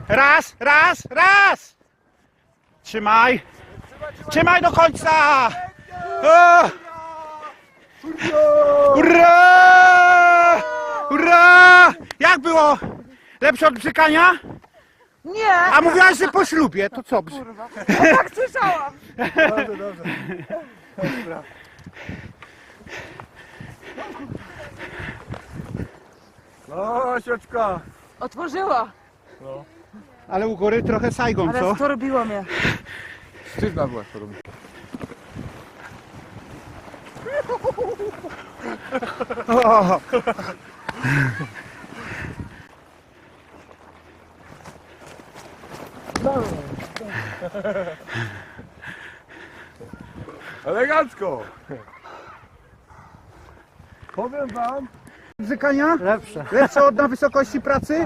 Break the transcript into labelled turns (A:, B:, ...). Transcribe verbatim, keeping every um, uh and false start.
A: Raz, raz, raz! Trzymaj! Trzymaj do końca! O! Ura! Ura! Jak było? Lepsze od bzykania?
B: Nie!
A: A mówiłaś, że po ślubie, to co?
B: Kurwa. No tak słyszałam!
C: Dobrze, dobrze. Dobra. No, sieczka.
B: Otworzyła!
A: Ale u góry trochę Saigon,
B: Ale
A: co?
B: wtorbiło mnie.
C: Sztywna była to robi.
A: O!
C: Elegancko. Powiem wam.
A: Bzykania?
C: Lepsze.
A: Lepsze od na wysokości pracy?